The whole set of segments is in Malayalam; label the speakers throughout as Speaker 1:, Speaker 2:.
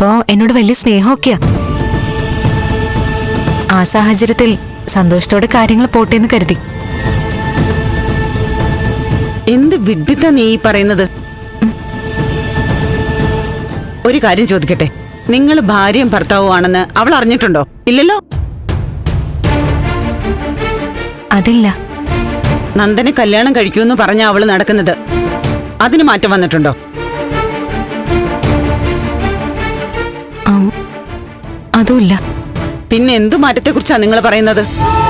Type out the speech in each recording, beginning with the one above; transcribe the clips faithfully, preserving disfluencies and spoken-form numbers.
Speaker 1: ഇപ്പോ എന്നോട് വലിയ സ്നേഹമൊക്കെയാ. ആ സാഹചര്യത്തിൽ സന്തോഷത്തോടെ കാര്യങ്ങൾ പോട്ടേന്ന് കരുതി.
Speaker 2: എന്ത് വിഡ്ഢിത്ത നീ ഈ പറയുന്നത്? ഒരു കാര്യം ചോദിക്കട്ടെ, നിങ്ങൾ ഭാര്യയും ഭർത്താവും ആണെന്ന് അവൾ അറിഞ്ഞിട്ടുണ്ടോ? ഇല്ലല്ലോ.
Speaker 1: അതില്ല.
Speaker 2: നന്ദനെ കല്യാണം കഴിക്കൂന്ന് പറഞ്ഞ അവള് നടക്കുന്നത്. അതിന് മാറ്റം വന്നിട്ടുണ്ടോ?
Speaker 1: അതുമില്ല.
Speaker 2: പിന്നെ എന്തു മാറ്റത്തെ കുറിച്ചാ നിങ്ങൾ പറയുന്നത്?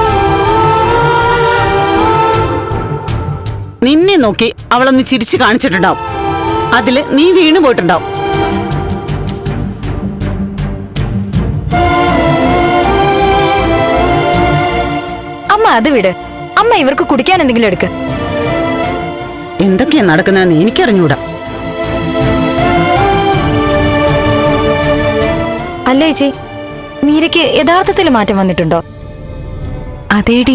Speaker 2: നിന്നെ നോക്കി അവളൊന്ന് ചിരിച്ചു കാണിച്ചിട്ടുണ്ടാവും. അതില് നീ വീണു പോയിട്ടുണ്ടാവും.
Speaker 3: അമ്മ അത് വിട്. അമ്മ ഇവർക്ക് കുടിക്കാൻ എന്തെങ്കിലും എടുക്ക.
Speaker 2: എന്തൊക്കെയാ നടക്കുന്നതെന്ന് എനിക്കറിഞ്ഞൂടാ.
Speaker 3: അല്ലേ ചേച്ചി, മീരയ്ക്ക് യഥാർത്ഥത്തിൽ മാറ്റം വന്നിട്ടുണ്ടോ?
Speaker 1: അതേടി.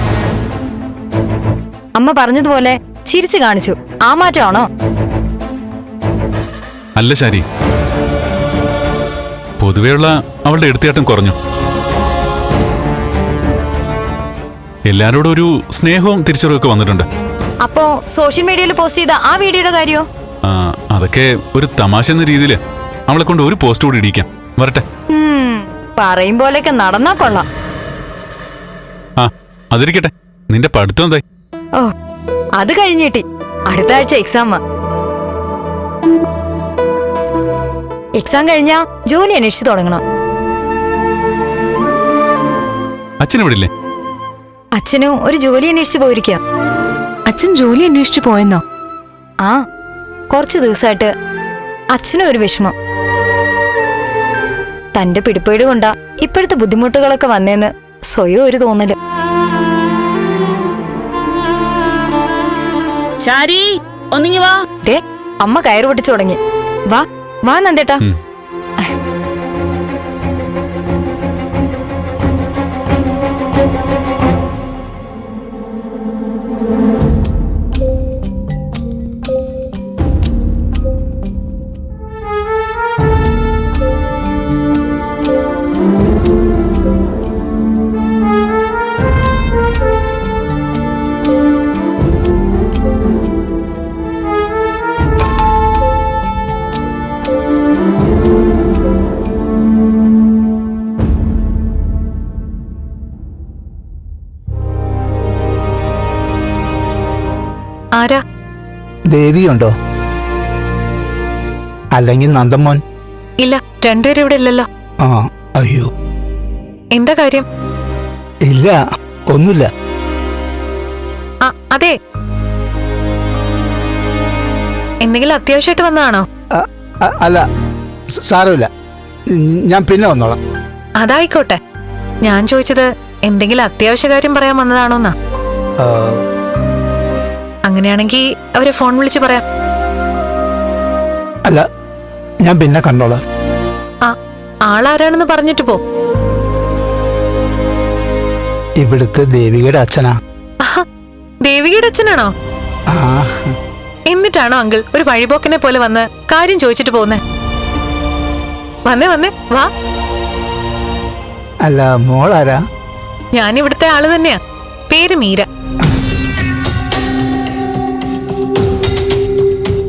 Speaker 3: അമ്മ പറഞ്ഞതുപോലെ ചിരിച്ചു കാണിച്ചു. ആ മാറ്റമാണോ?
Speaker 4: അല്ല ശാരി, പൊതുവെയുള്ള അവളുടെ എടുത്തിയാട്ടം കുറഞ്ഞു. എല്ലാരോടും ഒരു സ്നേഹവും തിരിച്ചറിവൊക്കെ വന്നിട്ടുണ്ട്.
Speaker 3: അപ്പോ സോഷ്യൽ മീഡിയയിൽ പോസ്റ്റ് ചെയ്ത ആ വീഡിയോയുടെ കാര്യോ?
Speaker 4: അതൊക്കെ ഒരു തമാശ എന്ന രീതിയില് അവളെ കൊണ്ട് ഒരു പോസ്റ്റ് കൂടി ഇടിക്കാം. വരട്ടെ.
Speaker 3: പറയും പോലെയൊക്കെ നടന്നാ കൊള്ളാം.
Speaker 4: ആ അതിരിക്കട്ടെ, നിന്റെ പഠിത്തം എന്തായി?
Speaker 3: ഓ, അത് കഴിഞ്ഞിട്ടി. അടുത്ത ആഴ്ച എക്സാമാ. എക്സാം കഴിഞ്ഞാ ജോലി അന്വേഷിച്ചു തുടങ്ങണം.
Speaker 4: അച്ഛനെവിടില്ലേ?
Speaker 3: അച്ഛനും ഒരു ജോലി അന്വേഷിച്ചു പോയിരിക്കുക.
Speaker 1: അച്ഛൻ ജോലി അന്വേഷിച്ചു പോയെന്നോ?
Speaker 3: ആ, കുറച്ചു ദിവസമായിട്ട് അച്ഛനും ഒരു വിഷമം. തന്റെ പിടിപ്പേട് കൊണ്ടാ ഇപ്പോഴത്തെ ബുദ്ധിമുട്ടുകളൊക്കെ വന്നേന്ന് സ്വയം ഒരു തോന്നല്.
Speaker 2: ശാരി, ഒന്നിങ്ങി വാ.
Speaker 3: ദേ, അമ്മ കയറ് പൊട്ടിച്ചു തുടങ്ങി. വാ വാ നന്ദേട്ടാ.
Speaker 1: ആരാ?
Speaker 5: ദേവിയുണ്ടോ? അല്ലെങ്കിൽ നന്ദമോൻ?
Speaker 1: ഇല്ല, രണ്ടുപേരും ഇവിടെ ഇല്ലല്ലോ.
Speaker 5: ആ, അയ്യോ.
Speaker 1: എന്താ കാര്യം?
Speaker 5: ഇല്ല, ഒന്നുമില്ല.
Speaker 1: ആ അതെ, എന്തെങ്കിലും അത്യാവശ്യമായിട്ട് വന്നതാണോ?
Speaker 5: അല്ല, സാരമില്ല, ഞാൻ പിന്നെ വന്നോളാം.
Speaker 1: അതായിക്കോട്ടെ. ഞാൻ ചോദിച്ചത് എന്തെങ്കിലും അത്യാവശ്യ കാര്യം പറയാൻ വന്നതാണോന്നാ. അങ്ങനെയാണെങ്കിൽ അവരെ ഫോൺ വിളിച്ച് പറയാം.
Speaker 5: അല്ല, ഞാൻ പിന്നെ കണ്ടോളാം.
Speaker 1: ആ, ആളാരാണെന്ന് പറഞ്ഞിട്ട് പോ.
Speaker 5: ഇവിടുത്തെ ദേവികയുടെ അച്ഛനാ.
Speaker 1: ദേവികയുടെ അച്ഛനാണോ? എന്നിട്ടാണോ അങ്കിൾ ഒരു വഴിപോക്കനെ പോലെ വന്ന് കാര്യം ചോദിച്ചിട്ട് പോകുന്നേ? വന്നേ വന്നേ വാ.
Speaker 5: അല്ല, മോളാരാ?
Speaker 1: ഞാൻ ഇവിടുത്തെ ആള് തന്നെയാ. പേര് മീര.